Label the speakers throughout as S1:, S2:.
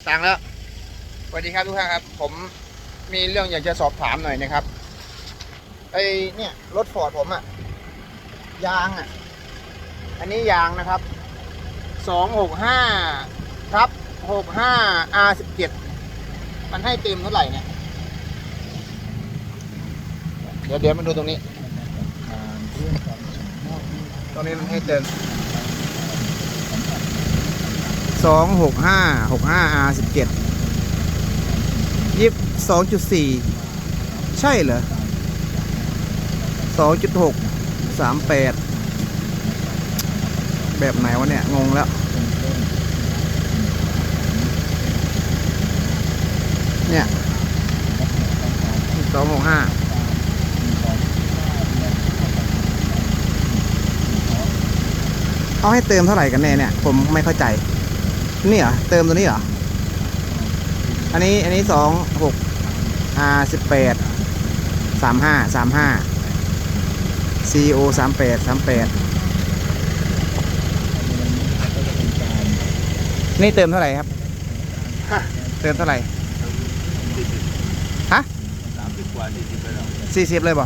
S1: ตังค์แล้วสวัสดีครับทุกท่านครับผมมีเรื่องอยากจะสอบถามหน่อยนะครับไอเนี่ยรถฟอร์ดผมอะยางอะอันนี้ยางนะครับ265/65 R17มันให้เต็มเท่าไหร่เนี่ยเดี๋ยวมาดูตรงนี้มันให้เต็ม265/65 R17 2.4ใช่เหรอ2.6 38แบบไหนวะเนี่ยงงแล้วเนี่ย265เอาให้เติมเท่าไหร่กันแน่เนี่ยผมไม่เข้าใจนี่เหรอเติมตัวนี้เหรออันนี้26R18 35 CO 38 นี่เติมเท่าไหร่ครับเติมเท่าไหร่ฮะ30 กว่า 40เลยหรอ40เลยบ่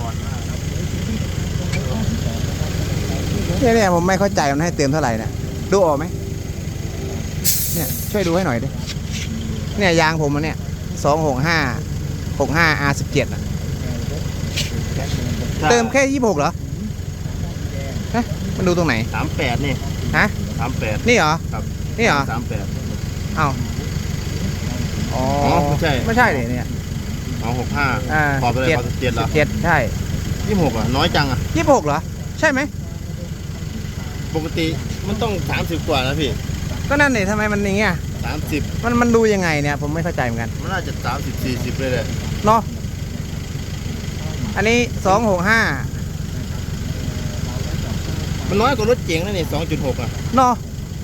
S1: เนี่ยผมไม่เข้าใจมันให้เติมเท่าไหร่เนี่ยดูออกไหมเนี่ยช่วยดูให้หน่อยดิเนี่ยยางผมมันเนี่ย265/65 R17อ่ะเติมแค่26เหรอฮะมันดูตรงไหน
S2: 38นี่
S1: ฮะ
S2: 38
S1: นี่เหรอ
S2: ครับ
S1: นี่เหรอ
S2: 38
S1: อ้าวอ๋อไม่ใช่เลยเนี่ย
S2: 65พอไปเลย17เหรอ
S1: 17ใช่
S2: 26อ่ะน้อยจังอ่ะ
S1: 26เหรอใช่ไหม
S2: ปกติมันต้อง30 กว่านะพี่
S1: ก็นั่นนี่ทำไมมันอย่างเงี้ย
S2: 30
S1: มันดูยังไงเนี่ยผมไม่เข้าใจเหมือนกัน
S2: มันน่าจะ30 40เลย
S1: เนาะอันนี้265
S2: มันน้อยกว่ารถเก๋งนะนี่2.6อ่ะ
S1: เนาะ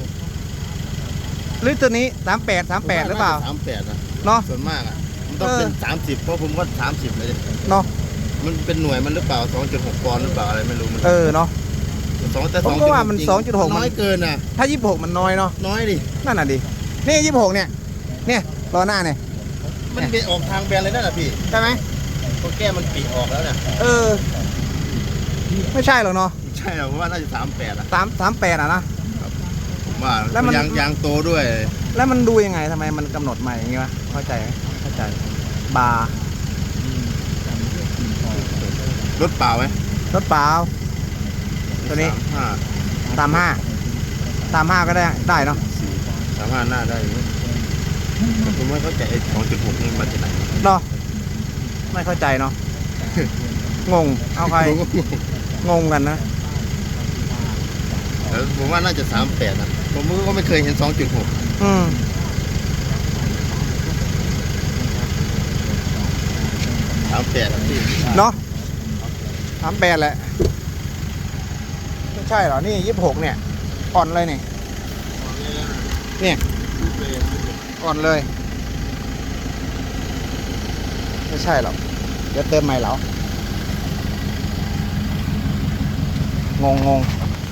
S1: หรือตัวนี้38หรือเปล่า
S2: 38อ่ะ
S1: เนาะ
S2: ส่วนมากอ่ะมันต้องเป็น30เพราะผมก็30เลย
S1: เนาะ
S2: มันเป็นหน่วยมันหรือเปล่า 2.6 ปอนด์หรือเปล่าอะไรไม่รู้มัน
S1: เนาะ
S2: แต่
S1: ผมก็ว่ามัน 2.6
S2: น้อยเกินนะ
S1: ถ้า26มันน้อยเนาะ
S2: น้อยดิ
S1: นั่นน่ะดินี่26เนี่ยล้อหน้าเนี่ย
S2: มันเป็นออกทางแบนเลยนั่นน่ะพี่
S1: ใช่ไหม
S2: พอแก้มันปีออกแล้วเนี่ย
S1: ไม่ใช่หรอกเนาะ
S2: ใช่หรอเพราะว่าน่าจะ38อ่ะ
S1: 38อ่ะนะ
S2: ผมว่าแล้วมันยางโตด้วย
S1: แล้วมันดูยังไงทำไมมันกำหนดใหม่อย่างงี้วะเข้าใจไหมเข้าใจบาร์
S2: รถเปล่าไหม
S1: รถเปล่าตัวนี้35ก็ได้เนาะ
S2: 35หน้าได้แต่ผมไม่เข้าใจ2.6นี่มาจากไหน
S1: เนาะไม่เข้าใจเนาะงงเอาใครงงกันนะ
S2: ผมว่าน่าจะ38นะผมก็ไม่เคยเห็น2.638พี่
S1: เนาะ38แหละไม่ใช่เหรอนี่26เนี่ยอ่อนเลยเนี่ยอ่อนเลยไม่ใช่หรอกเดี๋ยวเติมใหม่เหรองง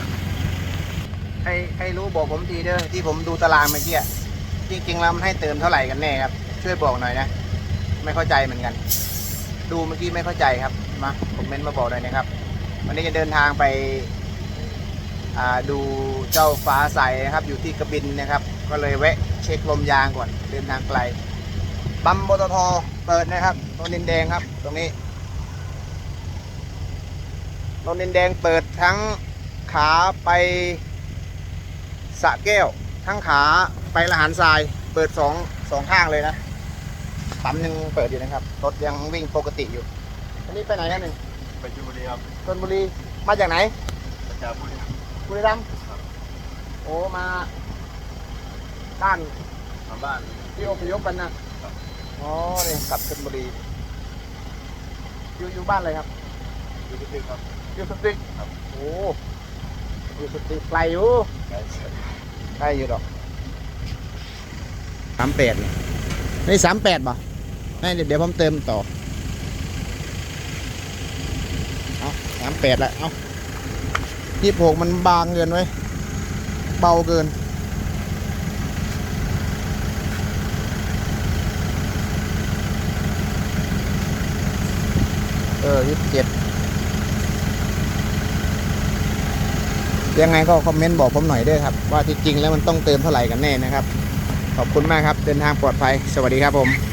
S1: ใครรู้บอกผมทีเด้อที่ผมดูตารางเมื่อกี้จริงๆแล้วมันให้เติมเท่าไหร่กันแน่ครับช่วยบอกหน่อยนะไม่เข้าใจเหมือนกันดูเมื่อกี้ไม่เข้าใจครับมาคอมเมนต์มาบอกหน่อยนะครับวันนี้จะเดินทางไปดูเจ้าฟ้าใสนะครับอยู่ที่กระบินนะครับก็เลยแวะเช็คลมยางก่อนเดินทางไกลปั๊มปตทเปิดนะครับโนนดินแดงครับตรงนี้โนนดินแดงเปิดทั้งขาไปสระแก้วทั้งขาไปละหารทรายเปิดสองข้างเลยนะปั๊มยังเปิดอยู่นะครับรถยังวิ่งปกติอยู่อันนี้ไปไหนกันหนึ่ง
S2: ไปชลบุรีครับ
S1: ชลบุรีมาจากไหน
S2: จากบุ
S1: รีรัมย์โอ้มาบ้านที่อพยพกันนะอ๋อนี่กลับชลบุรีอยู่บ้านอะไรครับ
S2: อยู่สติ๊กครับ
S1: อยู่สติ๊กครับโอ้อยู่สติ๊กไกลอยู่ใกล้อยู่ดอก38นี่38ป่ะนี่เดี๋ยวผมเติมต่อเอา38ละเอา26มันบางเกินไว้เบาเกิน 27ยังไงก็คอมเมนต์บอกผมหน่อยด้วยครับว่าที่จริงแล้วมันต้องเติมเท่าไหร่กันแน่นะครับขอบคุณมากครับเดินทางปลอดภัยสวัสดีครับผม